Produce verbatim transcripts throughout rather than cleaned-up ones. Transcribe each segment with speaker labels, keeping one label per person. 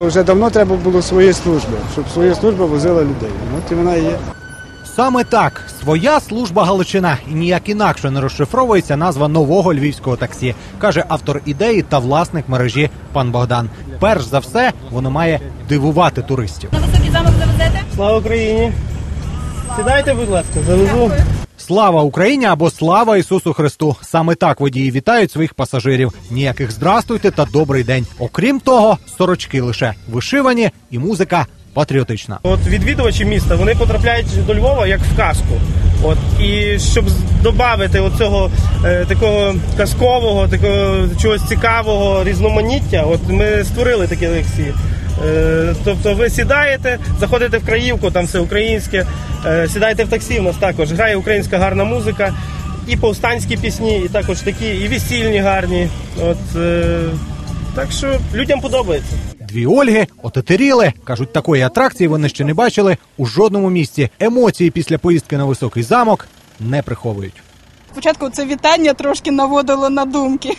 Speaker 1: Вже давно треба було свої служби, щоб своя служба возила людей. От і вона і є.
Speaker 2: Саме так, своя служба Галичина, і ніяк інакше не розшифровується назва нового львівського таксі, каже автор ідеї та власник мережі пан Богдан. Перш за все, воно має дивувати туристів.
Speaker 3: На Високий замок завезете?
Speaker 4: Слава Україні! Сідайте, будь ласка, завезу.
Speaker 2: Слава Україні або слава Ісусу Христу. Саме так водії вітають своїх пасажирів. Ніяких здрастуйте та добрий день. Окрім того, сорочки лише вишивані і музика патріотична.
Speaker 4: От відвідувачі міста, вони потрапляють до Львова як в казку. От, і щоб додати оцього е, такого казкового, такого чогось цікавого різноманіття, от ми створили такі лекції. Е, тобто ви сідаєте, заходите в Краївку, там все українське, е, сідаєте в таксі, у нас також грає українська гарна музика, і повстанські пісні, і також такі, і весільні гарні. От, е, так що людям подобається.
Speaker 2: Дві Ольги отетеріли. Кажуть, такої атракції вони ще не бачили у жодному місці. Емоції після поїздки на Високий замок не приховують.
Speaker 3: Спочатку це вітання трошки наводило на думки.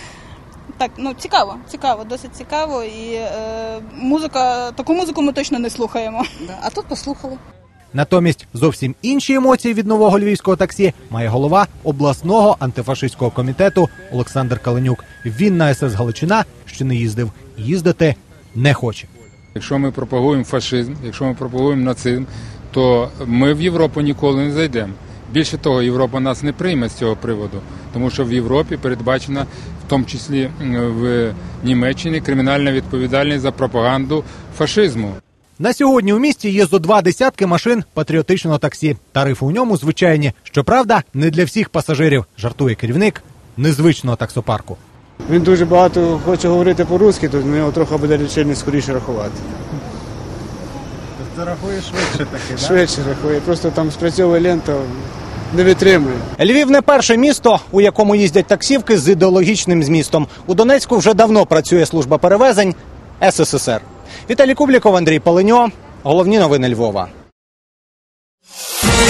Speaker 3: Так, ну цікаво, цікаво, досить цікаво. І е, музика, таку музику ми точно не слухаємо. А тут послухали.
Speaker 2: Натомість зовсім інші емоції від нового львівського таксі має голова обласного антифашистського комітету Олександр Каленюк. Він на ес ес Галичина ще не їздив. Їздити не хоче.
Speaker 5: Якщо ми пропагуємо фашизм, якщо ми пропагуємо нацизм, то ми в Європу ніколи не зайдемо. Більше того, Європа нас не прийме з цього приводу, тому що в Європі передбачена, в тому числі в Німеччині, кримінальна відповідальність за пропаганду фашизму.
Speaker 2: На сьогодні у місті є зо два десятки машин патріотичного таксі. Тарифи у ньому звичайні. Щоправда, не для всіх пасажирів, жартує керівник незвичного таксопарку.
Speaker 1: Він дуже багато хоче говорити по-русски, то його трохи буде лічильник скоріше рахувати.
Speaker 2: Це рахує швидше таки, так?
Speaker 1: Швидше рахує, просто там спрацьовує лента, не витримує.
Speaker 2: Львів не перше місто, у якому їздять таксівки з ідеологічним змістом. У Донецьку вже давно працює служба перевезень ес ес ес ер. Віталій Кубліков, Андрій Паленьо. Головні новини Львова.